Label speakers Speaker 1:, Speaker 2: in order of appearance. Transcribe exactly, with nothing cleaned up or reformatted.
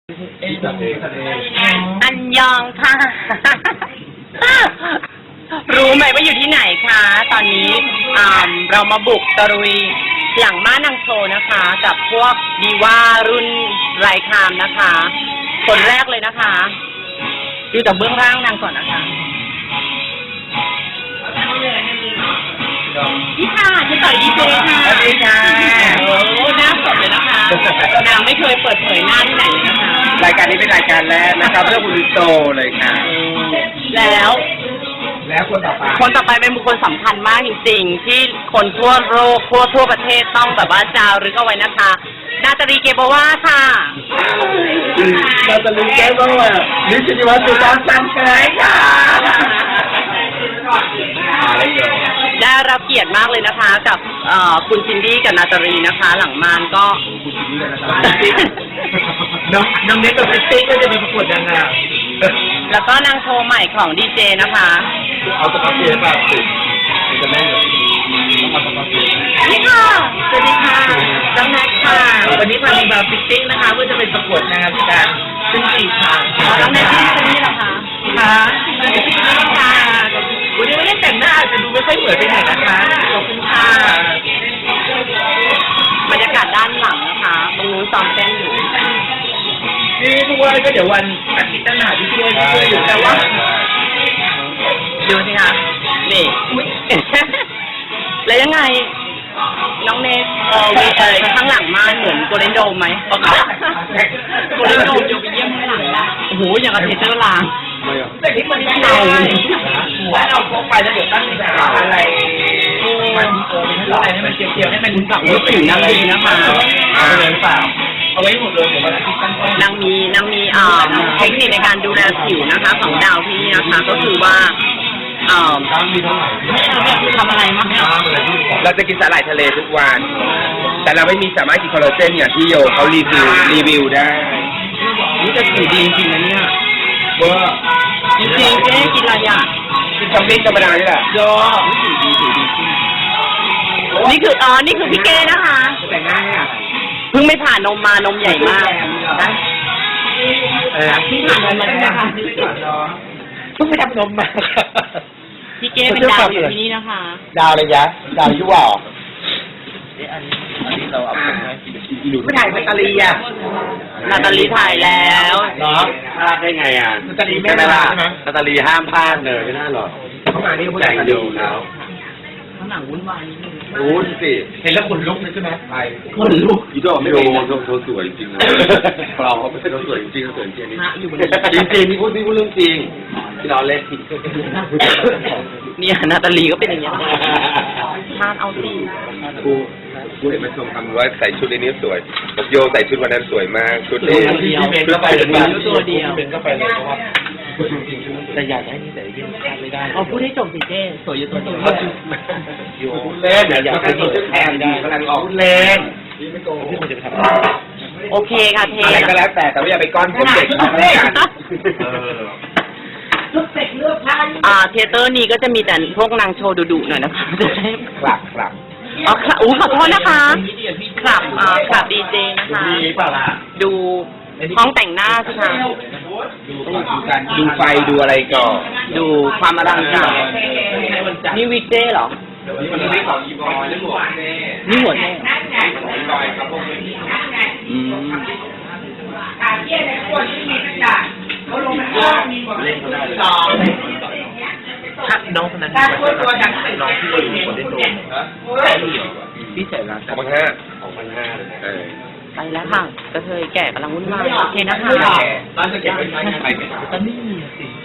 Speaker 1: อันยองค่ะ รู้ไหมว่าอยู่ที่ไหนคะ ตอนนี้เรามาบุกตะลุยหลังม้านางโชว์นะคะ กับพวกดีว่ารุ่นไรคามนะคะ คนแรกเลยนะคะดูจากเบื้องล่างนางก่อนนะคะนี่ค่ะที่ต่อยดีเจค่ะสวัสดีค่ะโอ้หน้าสดเลยนะคะนางไม่เคยเปิดเผยหน้าที่ไหนเลยนะคะ
Speaker 2: รายการนี้เป็นรายการแรกนะครับเรื่องคุณโตเลยค่ะ
Speaker 1: แล้ว
Speaker 2: แล้วคนต่อไป
Speaker 1: คนต่อไปเป็นบุคคลสำคัญมากจริงๆที่คนทั่วโลกทั่วทั่วประเทศต้องแบบว่าจารึกเอาไว้นะคะนาตาลีเกโบวาค่ะ
Speaker 2: นาตาลีเกโบวานิชินิวัฒน์สุดาสันเคยค่ะ
Speaker 1: ได้รับเกียรติมากเลยนะคะกับคุณซินดี้กับนาตาลีนะคะหลังมานก็
Speaker 2: คุณซินดี้กับนาตาลีน้องน้องเน็กกับเฟสตี้ก็จะมีประกวดนางงาม
Speaker 1: แล้วก็นางโชว์ใหม่ของดีเจนะคะ
Speaker 2: เอาสกอตเทียนแบบสิจะได้แบบ
Speaker 1: นี่ค่ะสวัสดีค่ะน้องแน็กค่ะ
Speaker 2: วันนี้มาในแบบฟิตติ้งนะคะเพื่อจะเป็นประกวดนางงามการซึ่งสี่ครั้ง
Speaker 1: น้องแน็กที่คนนี้เหรอคะ
Speaker 2: ค่ะวันนี้ไม่ได้แต่งหน้าอาจจะดูไม่ค่อยเหมือนไปไหนนะคะขอบคุณค่ะ
Speaker 1: บรรยากาศด้านหลังนะคะตรงนู้นซ้อมเต้นอยู่
Speaker 2: นี่ทุกวันก็เดี๋ยววันอาทิตย์ตั้งหาที่ช่วยช่วยอยู่แต่ว่า
Speaker 1: ดูสิคะนี่แล้วยังไงน้องเนทเอออะไรข้างหลังมาเหมือนโกลเด้นโดมไหมโกลเด้นโดมโยไปเยี่ยมข้างหลังนะโอ้โหอย่างกับเทเตอร์ลาง
Speaker 2: แต่ที่มันไม่เอาถ้าเราพกไปแล้วเดี๋ยวตั้งใจอะไรมันเออเป็นอะไรให้มันเกี่ยวๆให้มัน
Speaker 1: กลับมาถึงนางดีนะคะ
Speaker 2: เอาไปเลยเปล่าเอาไว้หมดเลยเดี๋ยววันอาทิตย์ตั้งต้น
Speaker 1: นางมีนางมีเอ่อเทคนิคในการดูแลผิวนะคะของดาวที่นี่นะคะก็คือว่าเอ่อทำอะไรมั้ง
Speaker 2: เราจะกินสาหร่ายทะเลทุกวันแต่เราไม่มีสามารถกินคอลลาเจนอย่างที่โยเขารีวิวรีวิวได้
Speaker 1: นี่จะผิวดีจริงๆนะเนี่ย
Speaker 2: ว่า
Speaker 1: จริงๆเจ๊กินอะไรอ่ะ
Speaker 2: กินคอมบิ้งธรรมดานี่แหละ
Speaker 1: โยนี่คืออ๋อนี่คือพี่เก้นะคะ
Speaker 2: แต่งหน้าเนี่ย
Speaker 1: เพิ่งไม่ผ่านนมมานมใหญ่มากนะเออพี่ผ่านนมมาใช่ไหมคะ
Speaker 2: เพิ่งไปทำนมมา
Speaker 1: พี่เก้เป็นดาวอยู่ที่นี่นะคะ
Speaker 2: ดาวเลยยะดาวยั่วอันนี้อันนี้เราเอาไปไม่ถ่ายนาตาลีอ่ะ
Speaker 1: นาตาลีถ่ายแล้ว
Speaker 2: เนาะพลาดได้ไงอ่ะนาตาลีไม่ได้ใช่ไหมนาตาลีห้ามพลาดเลยไม่น่าหรอกเข้ามานี่ผู้ใหญ่ดูแล้ว
Speaker 1: ข้างหลังวุ่นวายนิดนึง
Speaker 2: รู้สิเห็นแล้วขนลุกเลยใช่ไหมไป
Speaker 1: ขนลุก
Speaker 2: อีโดไม่โดนเขาสวยจริงเราเขาไม่ใช่เขาสวยจริงเขาสวยจริงนี่จริงจริงนี่พูดนี่พูดเรื่องจริงที่เราเล่นผิด
Speaker 1: เนี่ยนาตาลีก็เป็นอย่างนี้ทานเอาสิ
Speaker 2: กูกูเห็นมาชมคำว่าใส่ชุดนี้สวยบอกโยใส่ชุดวันนั้นสวยมากชุดนี้ชุดไปเลย
Speaker 1: ตัวเดียว
Speaker 2: เป็นก็ไปเลยเพราะว่า
Speaker 1: แต่อยากให้นี่แต่ยังไม่ได้เอาพูดให้จบสิเจ้สวยอยู่ตัวเดียว
Speaker 2: อยู่เล่นอยากให้ชุดแทนดีกำลังออกเล่นที่มันจะไปทำ
Speaker 1: โอเคค่ะเท
Speaker 2: อะไรก็แล้วแต่แต่ว่าอย่าไปก้อนผมเด็กมาแล้วกัน
Speaker 1: อ่าเทเตอร์นี้ก็จะมีแต่พวกนางโชว์ดุๆหน่อยนะคะจะได้
Speaker 2: กลับกลับ
Speaker 1: อ๋อครับอู้ขอโทษนะคะกลับอ่าขับดีเจนะคะดูห้องแต่งหน้าสิคะ
Speaker 2: ดูการดูไฟดูอะไรก่อน
Speaker 1: ดูความอลังการนี่วิกเจ้เหรอ
Speaker 2: นี่ของอีบอยนี่หัวเน่
Speaker 1: นี่หัวเน่
Speaker 2: อืม
Speaker 3: การเยี่ยมในขวดที่มีกระดาษเขาลงมาข้างมีหมดเลยสอง
Speaker 2: ถ้าน้องคนนั้นน้องที่เราอยู่คนได้โดนพี่ใส่ร้านสองพันห้าสองพันห้าเออ
Speaker 1: ไปแล้วค่ะกระเทยแก่กำลังวุ่นวายโอเคนะคะ
Speaker 2: ร้านจะเก็บไว้ใช้งานไปไม่ได้ตอนนี้สิ